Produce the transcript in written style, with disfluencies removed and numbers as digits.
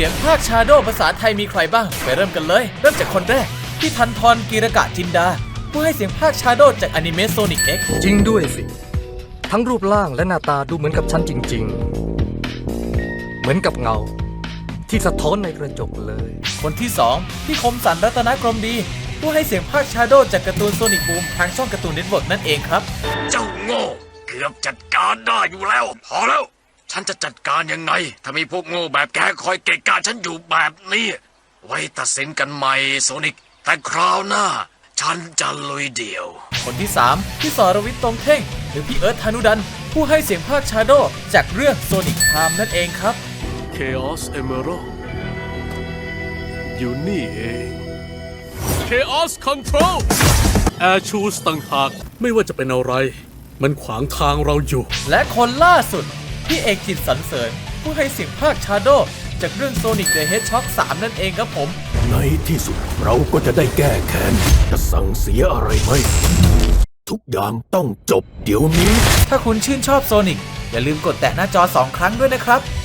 สียงภาคชาโดภาษาไทยมีใครบ้างไปเริ่มกันเลยเริ่มจากคนแรกพี่ทันทรกีรกะจินดาผู้ให้เสียงภาคชาโดจากอนิเมะโซนิก X จริงด้วยสิทั้งรูปร่างและหน้าตาดูเหมือนกับฉันจริงๆเหมือนกับเงาที่สะท้อนในกระจกเลยคนที่2พี่คมสันรัตนกรมดีผู้ให้เสียงภาคชาโดจากการ์ตูนโซนิกบูมทางช่องการ์ตูนเน็ตเวิร์กนั่นเองครับเจ้าโง่เกือบจัดการได้อยู่แล้วพอแล้วฉันจะจัดการยังไงถ้ามีพวกโง่แบบแกคอยเกะกะฉันอยู่แบบนี้ไว้ตัดสินกันใหม่โซนิกแต่คราวหน้าฉันจะลุยเดี่ยวคนที่3พี่สรวิทย์ตรงเท่งหรือพี่เอิร์ธธนุดันผู้ให้เสียงภาคชาโดจากเรื่องโซนิกไทม์นั่นเองครับ Chaos Emerald อยู่นี่เอง Chaos Control Air Shoes ต่างหากไม่ว่าจะเป็นอะไรมันขวางทางเราอยู่และคนล่าสุดพี่เอกจิตสรรเสริญผู้ให้เสียงภาคชาโดจากเรื่อง Sonic the Hedgehog 3 นั่นเองครับผมในที่สุดเราก็จะได้แก้แค้นจะสั่งเสียอะไรไหมทุกอย่างต้องจบเดี๋ยวนี้ถ้าคุณชื่นชอบโซนิกอย่าลืมกดแตะหน้าจอ2 ครั้งด้วยนะครับ